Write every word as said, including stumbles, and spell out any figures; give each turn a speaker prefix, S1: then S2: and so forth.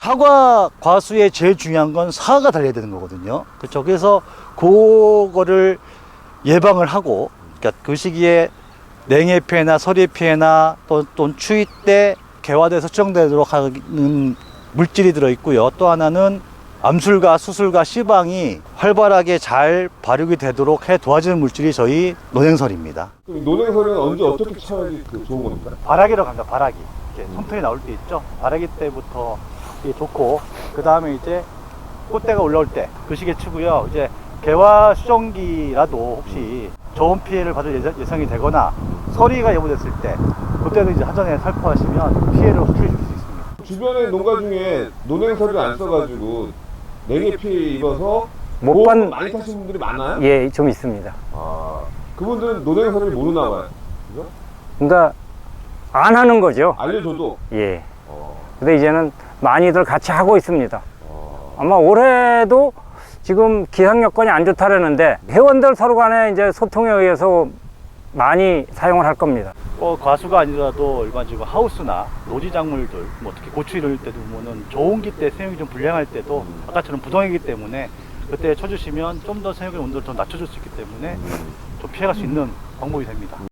S1: 사과 과수에 제일 중요한 건 사과가 달려야 되는 거거든요. 그렇죠. 그래서 그거를 예방을 하고, 그러니까 그 시기에 냉해 피해나 서리 피해나 또, 또 추위 때 개화돼서 수정되도록 하는 물질이 들어 있고요. 또 하나는 암술과 수술과 씨방이 활발하게 잘 발육이 되도록 해 도와주는 물질이 저희 논행설입니다.
S2: 그럼 논행설은 언제 어떻게 쳐야지 그 좋은 겁니까?
S1: 발아기로 갑니다. 발아기. 이렇게 손톱이 나올 때 있죠. 발아기 때부터 이게 좋고, 그 다음에 이제 꽃대가 올라올 때 그 시기에 치고요. 이제 개화 수정기라도 혹시 좋은 피해를 받을 예상, 예상이 되거나 서리가 예보됐을 때 그때도 이제 사전에 살포하시면 피해를 확실히 줄 수 있습니다.
S2: 주변에 농가 중에 논행설을 안 써가지고 냉해 피해 입어서
S3: 못
S2: 못
S3: 받-
S2: 많이 타시는 분들이 많아요?
S3: 예, 좀 있습니다.
S2: 아, 그분들은 논행설을 모르나 봐요. 그죠?
S3: 그러니까 안 하는 거죠.
S2: 알려줘도.
S3: 예.
S2: 어,
S3: 근데 이제는 많이들 같이 하고 있습니다.
S2: 어.
S3: 아마 올해도 지금 기상 여건이 안 좋다라는데 회원들 서로 간에 이제 소통에 의해서 많이 사용을 할 겁니다.
S1: 어, 과수가 아니라도 일반적으로 하우스나 노지 작물들, 뭐 특히 고추 이럴 때도 보면은 저온기 때 생육이 좀 불량할 때도 아까처럼 부동이기 때문에 그때 쳐주시면 좀 더 생육의 온도를 더 낮춰줄 수 있기 때문에 좀 피해갈 수 있는 방법이 됩니다.